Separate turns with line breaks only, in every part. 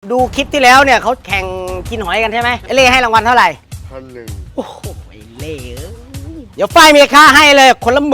ดูคลิปที่แล้วเนี่ยเขาแข่งกินหอยกันใช่ไหมเอเล่ให้รางวัลเท่าไหร่
1,000
โอ้โหไอเล่เดี๋ยวฝ้ายมีค่าให้เลยคนละ10,000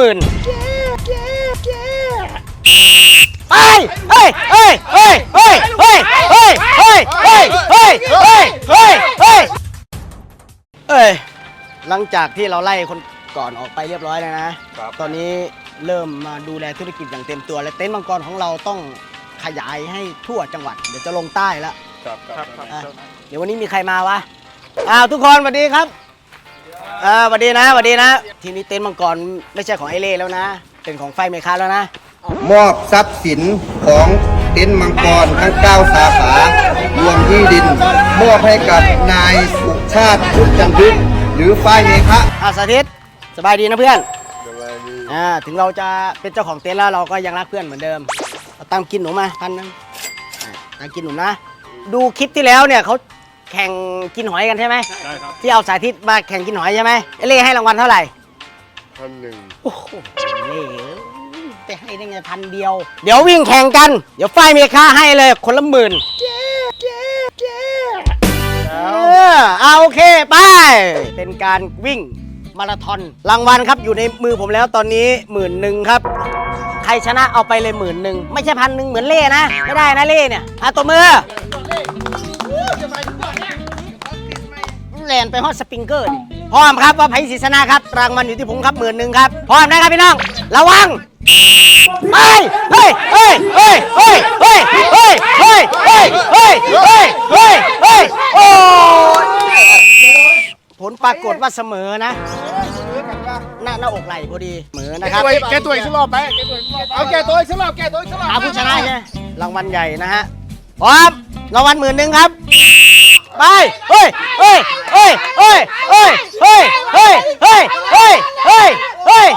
ไปเฮ้ยเฮ้ยเฮ้ยเฮ้ยเฮ้ยเฮ้ยเฮ้ยเฮ้ยเฮ้ยเฮ้ยเฮ้ยเฮ้ยเฮ้ยหลังจากที่เราไล่คนก่อนออกไปเรียบร้อยแล้วนะตอนนี้เริ่มมาดูแลธุรกิจอย่างเต็มตัวและเต็นท์มังกรของเราต้องขยายให้ทั่วจังหวัดเดี๋ยวจะลงใต้แล้วเดี๋ยววันนี้มีใครมาวะทุกคนสวัสดีครับสวัสดีนะสวัสดีนะทีนี้เต็นท์มังกรไม่ใช่ของไอเล่แล้วนะเป็นของไฟเมคาแล้วนะ
มอบทรัพย์สินของเต็นท์มังกรทั้ง9สาขารวมที่ดินมอบให้กับนายสุชาติพุทธจันทึกหรือฝ้ายเมฆะ
สาธิตสบายดีนะเพื่อนถึงเราจะเป็นเจ้าของเต็นท์แล้วเราก็ยังรักเพื่อนเหมือนเดิมเอาตังกินหนูมา1,000ตังกินหนูนะดูคลิปที่แล้วเนี่ยเขาแข่งกินหอยกันใช่ไหมใช่ครับที่เอาสาธิตมาแข่งกินหอยใช่ไหมเอเล่ให้รางวัลเท่าไหร่
1,000
โอ้โหเล่ไปให้ได้ไง1,000เดียวเดี๋ยววิ่งแข่งกันเดี๋ยวฝ้ายมีค่าให้เลยคนละ10,000โอเคไปเป็นการวิ่งมาราธอนรางวัลครับอยู่ในมือผมแล้วตอนนี้10,000ครับใครชนะเอาไปเลย10,000ไม่ใช่1,000เหมือนเล่นะไม่ได้นะเล่เนี่ยตัวมือแลนไปฮอตสปริงเกอร์ดิพร้อมครับว่าไผ่ศรีชนะครับรางวัลอยู่ที่ผมครับ10,000ครับพร้อมนะครับพี่น้องระวังไปเฮ้ยเฮ้ยเฮ้ยเฮ้ยเฮ้ยเฮ้ยเฮ้ยเฮ้ยเฮ้ยเฮ้ยเฮ้ยเฮ้ยโอ้ผลปรากฏว่าเสมอนะหน้าอกไหลพอดีเสมอนะครับ
แกตัวอีกสักรอบไหมเอาแกตัวอีกสักรอบ
ผู้ชนะใช่รางวัลใหญ่นะฮะพร้อมรางวัล10,000ครับไปเฮ้ยเฮ้ยเฮ้ยเฮ้ยเฮ้ยเฮ้ยเฮ้ยเฮ้ยเฮ้ยเฮ้ยเฮ้ย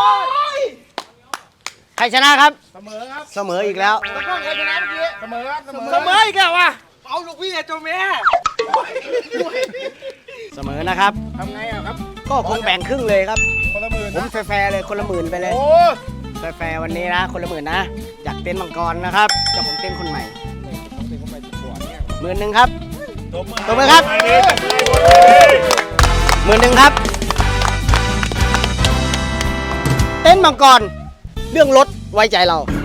ใครชนะครับ
เสมอครับ
เสมออีกแล้ว
ใครชนะเมื่อกี้เสมอครับเสมออีกแล้ววะเอาลูกพี่เจ้าแม่
เสมอนะครับ
ทำไงครับ
ก็คงแบ่งครึ่งเลยครับ
คนละ10,000
ผมแฟร์เลยคนละ10,000ไปเลยแฟร์วันนี้นะคนละ10,000นะจากเต็นท์มังกรนะครับเจ้าของเต็นท์คนใหม่10,000ครับตบมือครับ10,000ครับเต็นท์มังกรเรื่องรถไว้ใจเรา